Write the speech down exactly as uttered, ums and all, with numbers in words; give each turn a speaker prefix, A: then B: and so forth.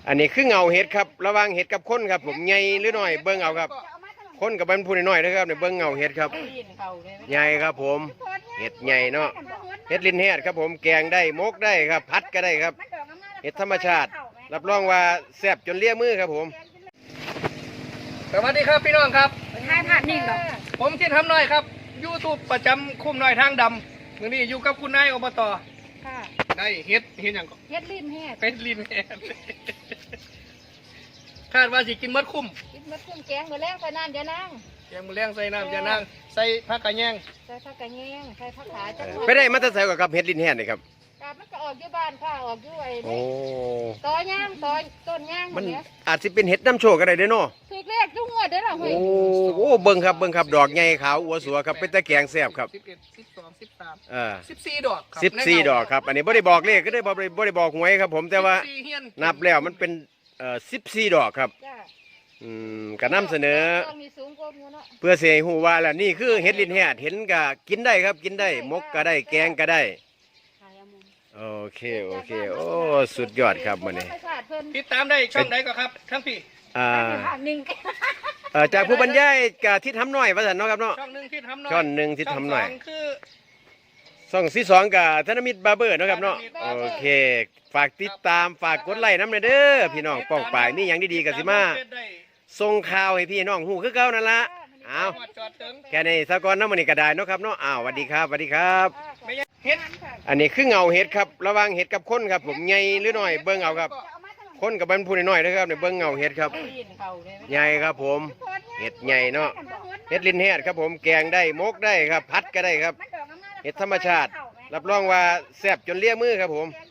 A: อันนี้คือเงาเห็ดครับระหว่างเห็ดกับคนครับผมใหญ่หรือน้อยเบิ้งเอาครับคนกับเป็นผู้น้อยนะครับเนี่ยเบิ้งเงาเห็ดครับใหญ่ครับผมเห็ดใหญ่เนาะเห็ดลินเห็ดครับผมแกงได้มกได้ครับพัดก็ได้ครับเห็ดธรรมชาติรับรองว่าแซ่บจนเลี่ยมือครับผม
B: สวัสดีครับพี่น้องครับ
C: ถ่ายผ่านนิ่งหรอ
B: ผมที่ทำน้อยครับยูทูบประจำคุ้มน้อยทางดำวันนี้อยู่กับคุณนายอบต
C: ค่ะ
B: ได้เฮ็ดเฮ็ดอย่างก่อน
C: เฮ็ดลิ้นแฮด
B: เป็นลิ้นแฮดคาดว่าสิกินมดคุ้ม
C: กินมดคุ้มแกงมื้อแรกใส่น้ำยานาง
B: แกงมื้อแรงใส่น้ำยานางใส่ผักกระแยง
C: ใส่ผักกระแยงใส่ผักขาจัง
A: ไปได้มาแต่ใส่กับเห็ดลินแห้นี่ครับ
C: กาบมันก็ออกอยู่บ้านค่ะออกอยู่ไอ้
A: โอ้
C: ตอย่างตอต้นย่าง
A: มันอาจสิเป็นเห็ดน้ำโชกก็ได้เด้อเนาะ
C: ถูกเลขทุกงวดเด้อล่ะเฮ้ย
A: โอ้โหเบิ่งครับเบิ่งครับดอกใหญ่ขาวอัวสัวครับเป็นตะแกงแซ่บครับ
B: สิบเอ็ดสิบสองสิบสาม
A: เออ
B: สิบสี่ดอก
A: สิบสี่ดอกครับอันนี้บ่ได้บอกเลขก็ได้บ่ได้บ่ได้บอกหวยครับผมแต่ว่านับแล้วมันเป็นเอ่อสิบสี่ดอกครับอืมก็นำเสนอเพื่อเสียหูว่าล่ะนี่คือเห็ดลินแฮดเห็นก็กินได้ครับกินได้มกก็ได้แกงก็ได้โอเคโอเคโอ้สุดยอดครับมันนี่
B: ติดตามได้ช่องไหนก็ครับทั้งพี่
A: อ่าเอ่อจากผู้บรรยายกับทิศทำน้อยว่าสันเนาะครับเนาะ
B: ช่องหนึ่งทิศทำน้อย
A: ช่องหนึ่งทิศทำน้อย
B: คือ
A: ช่องที่สองกับธนมิตรบาร์เบอร์เนาะครับเนาะโอเคฝากติดตามฝากกดไลค์น้ำเด้อพี่น้องป้องปายนี่อย่างดีๆกับสิมาส่งข่าวให้พี่น้องหูคือเก่านั่นละอ้าวแค่นี้สะกอนน้ำมันนี่ก็ได้เนาะครับเนาะอ้าวสวัสดีครับสวัสดีครับ
B: เห็ด
A: อันนี้คือเงาเห็ดครับระหว่างเห็ดกับคนครับผมใหญ่หรือน้อยเบิ้งเอาครับคนกับเป็นผู้น้อยนะครับเนี่ยเบิ้งเงาเห็ดครับใหญ่ครับผมเห็ดใหญ่เนาะเห็ดลินเห็ดครับผมแกงได้มกได้ครับพัดก็ได้ครับเห็ดธรรมชาติรับรองว่าแซ่บจนเลี่ยมือครับผม